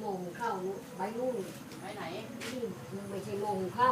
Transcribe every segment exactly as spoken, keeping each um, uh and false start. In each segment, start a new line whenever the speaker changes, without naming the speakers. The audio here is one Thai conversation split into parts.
โมงเข้าใบนู่นใบไหนนี่มันไม่ใช่โมงเข้า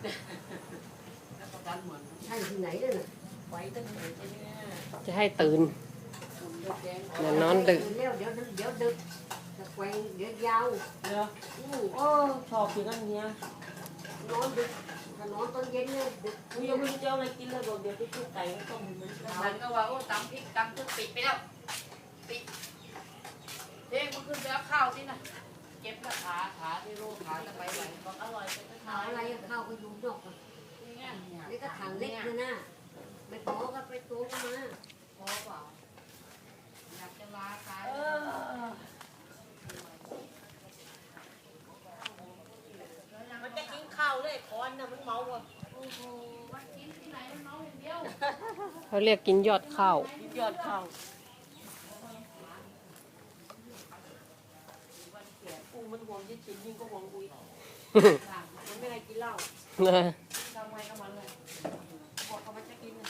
ใช่ที่ไหนเนี่ยไว้ตั้งแต่
จะให้ตื่นเดี๋ยวนอนดึก
เดี๋ยวเดี๋ยวเดี๋ยวดึกจะแกว่งเดี๋ยวยาว
เนาะโอ้ชอบกินกันเนี้ย
นอนดึกถ้านอนตอนเย็นเนี่ยดึก
กูยังไม่รู้จะอะไรกินเลยบอกเดี๋ยวไปทุกไก่ก็ต้องมัน
มันก็ว่าโอ้ตำพริกตำจนปิดไปแล้วปิดเด็กมันขึ้นไปเอาข้าวที่น่ะเก็บละขาขาที่รูขาจะไปไหนบอกอร่อยไปก็
ข้าวอะไรข้าวก็ยุ่งยากนี่ก็ถังเล็กเลยนะไม่พอก็ไปตัวก็มา
พอเปล่าอยากจะลาตาย
มันจะกินข้าวเลยคอนน่ะมันเมาอ่ะ
โอ้โหวันกินที่ไหนมันเมาอย่างเดียว
เขาเรียกกินยอดข้าว
กินยอดข้าวกูมันห่วงยิ่งกินยิ่งก็ห่วงกูมันไม่ได้กินเหล้าทำไมก็มันเลยบอกเขาไม่จะกินเลย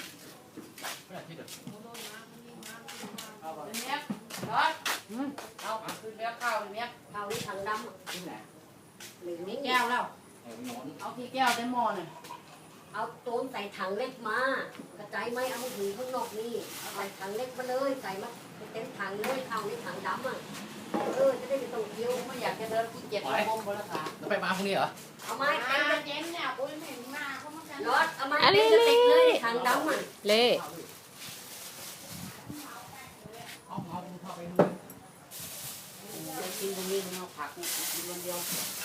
เนี้ยรถเอาขึ้นไปเอาข้าวเนี้ย
ข้าวนี่ถังดำ
ที่ไหน
หรือนี่
แก้วแล้วเอาที่แก้วได้หม้อหน่อย
เอาต้นใส่ถังเล็กมากระจายไม่เอาหูข้างนอกนี่ใส่ถังเล็กมาเลยใส่มาเต็มถังเลยข้าวนี่ถังดำอ่ะเออจะได้ไม่ต้องเกี่ยว
ไม่อยากจะเดินที่เจ็ดโมงบนราคา
แล้วไปมาพรุ่งนี้เหรอ
เอาไม้เต็ม
เจนเนี่ยปุ้ยไม่มาเขามากัน
รถเอาไม้เต็มจะติดเลยถังดำอ่ะ
เล่
เอาเอาเข้าไปดู
กินตรงนี้มันเอาผักกินวันเดียว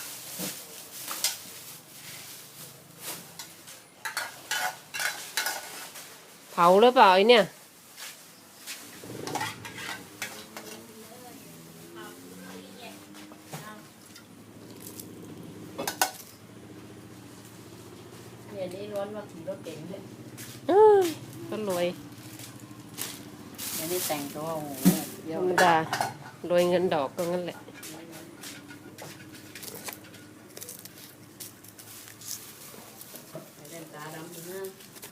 เผาหรือเปล่าไอเนี่ย
เนี่ยนี่ร้อนว่าขี่รถเก่งเลย
ก็รวย
เนี่ยนี่แต่งตัวโอ้โห
ธรรมดารวยเงินดอกก็งั้นแหละ
เล่นตาดำนะ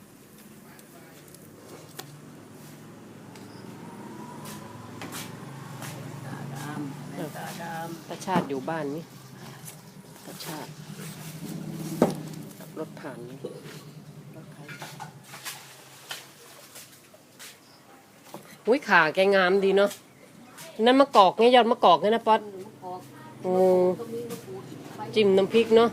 ตาดำ
ตาชาติอยู่บ้านนี่ตาชาติรถผ่านนี่อุ้ยขาแกงามดีเนาะนั่นมะกอกเนี่ยยอดมะกอกเนี่ยนะป๊อตโอ้จิ้มน้ำพริกเนาะ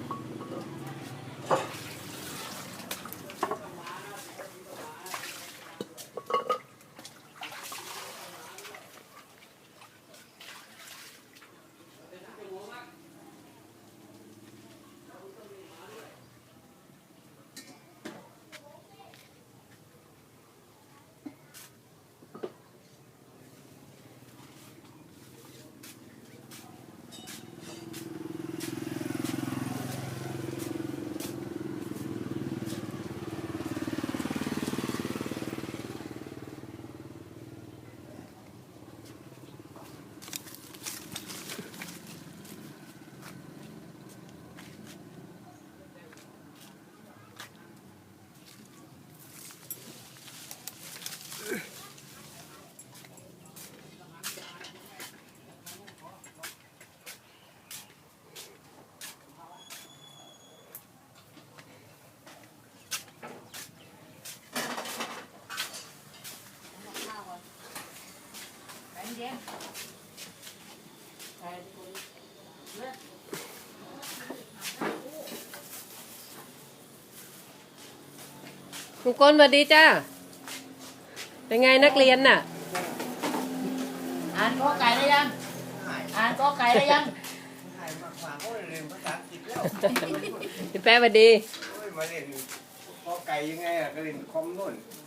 ลุงกลสวัสดีจ้าเป็นไงนักเรียนน่ะ
อ่านกอไก่ได้ยังอ่านกอไก่ได้ยัง
ถ่ายมาฝากเขาเรียนภาษาอังกฤษแล้ว
พี่แป๊ะสวัสดี
มาเรียนกอไก่ยังไงอะก็เรียนคอมนู่น